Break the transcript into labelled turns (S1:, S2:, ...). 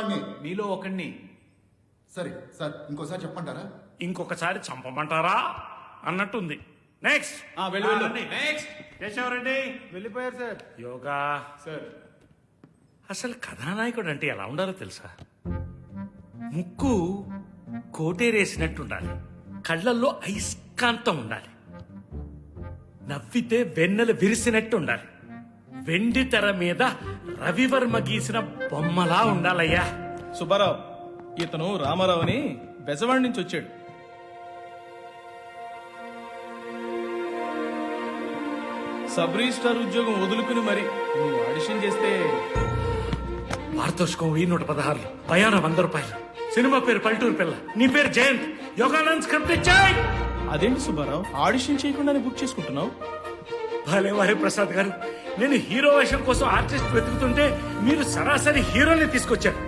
S1: వాడిని.
S2: మీలో ఒకడిని.
S1: సరే సార్, ఇంకోసారి చెప్పంటారా?
S3: ఇంకొకసారి చంపమంటారా అన్నట్టుంది. నెక్స్ట్
S2: నెక్స్ట్
S3: కేశవరెడ్డి
S4: వెళ్ళిపోయారు సార్.
S3: యోగా
S4: సార్
S3: అసలు కథానాయకుడు అంటే ఎలా ఉండాలో తెలుసా? ముక్కు కోటేరేసినట్టు ఉండాలి, కళ్ళల్లో అయస్కాంతం ఉండాలి, నవ్వితే వెన్నెలు విరిసినట్టు ఉండాలి, వెండి తెర మీద రవివర్మ గీసిన బొమ్మలా ఉండాలయ్యా.
S5: సుబ్బారావు, ఇతను రామారావు అని బెజవాడి నుంచి వచ్చాడు. సబ్ రిజిస్ట్రార్ ఉద్యోగం వదులుకుని మరి నువ్వు ఆడిషన్ చేస్తే
S3: పారితోషికం 116 ప్రయాణం 100 రూపాయలు. సినిమా పేరు పల్లెటూరు పిల్ల, నీ పేరు జయంత్. యోగానంద్ స్క్రిప్ట్ ఇచ్చాయి.
S5: అదేంటి సుబ్బారావు, ఆడిషన్ చేయకుండానే బుక్ చేసుకుంటున్నావు?
S3: భలే వారి ప్రసాద్ గారు, నేను హీరో వేషం కోసం ఆర్టిస్ట్ వెతుకుతుంటే మీరు సరాసరి హీరోని తీసుకొచ్చారు.